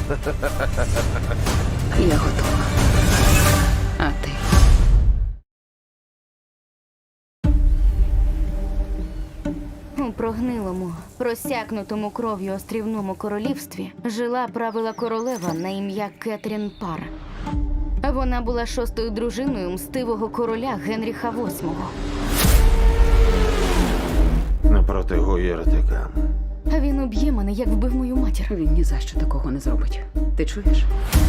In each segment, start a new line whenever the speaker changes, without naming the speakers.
Я готова. А ти?
У прогнилому, просякнутому кров'ю острівному королівстві жила правила королева на ім'я Кетрін Пар. Вона була шостою дружиною мстивого короля Генріха VIII.
Напроти Гуєртика.
А він уб'є мене, як вбив мою матір.
Він ні за що такого не зробить. Ти чуєш?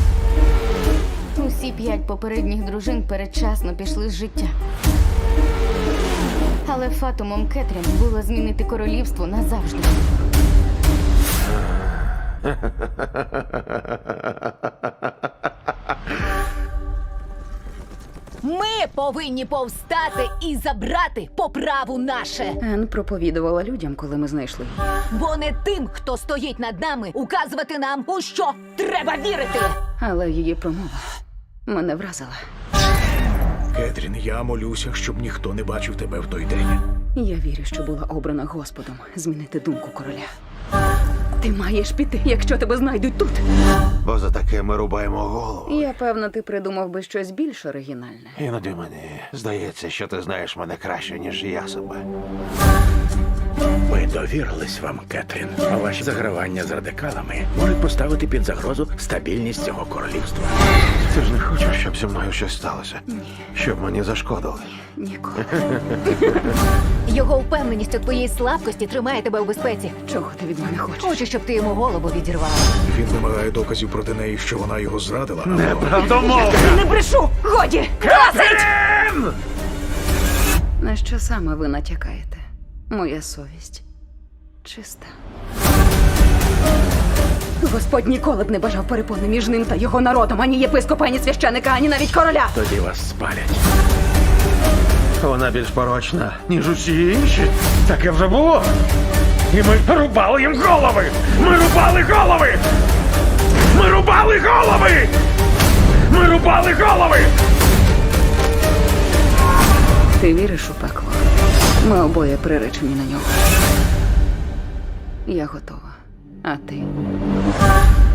Усі 5 попередніх дружин передчасно пішли з життя. Але фатумом Кетрін було змінити королівство назавжди.
Ми повинні повстати і забрати по праву наше.
Ен проповідувала людям, коли ми знайшли її.
Бо не тим, хто стоїть над нами, указувати нам, у що треба вірити.
Але її промова мене вразила.
Кетрін, я молюся, щоб ніхто не бачив тебе в той день.
Я вірю, що була обрана Господом змінити думку короля. Ти маєш піти, якщо тебе знайдуть тут.
Бо за таке ми рубаємо голову.
Я певна, ти придумав би щось більш оригінальне.
Іноді мені здається, що ти знаєш мене краще, ніж я себе.
Ми довірились вам, Кетрін. А ваші загравання з радикалами можуть поставити під загрозу стабільність цього королівства.
Ти ж не хочеш, щоб зі мною щось сталося? Щоб мені зашкодили.
Ніколи.
Його впевненість у твоїй слабкості тримає тебе у безпеці.
Чого ти від мене хочеш?
Хочу, щоб ти йому голову відірвала.
Він вимагає доказів проти неї, що вона його зрадила.
Неправдомовно!
Не брешу! Годі!
На що саме ви натякаєте? Моя совість чиста. Господь ніколи б не бажав перепони між ним та його народом, ані єпископа, ані священика, ані навіть короля.
Тоді вас спалять.
Вона більш порочна, ніж усі інші. Таке вже було. І ми рубали їм голови! Ми рубали голови! Ми рубали голови! Ми рубали голови!
Ти віриш у пекло? Ми обоє приречені на нього. Я готова. А ти?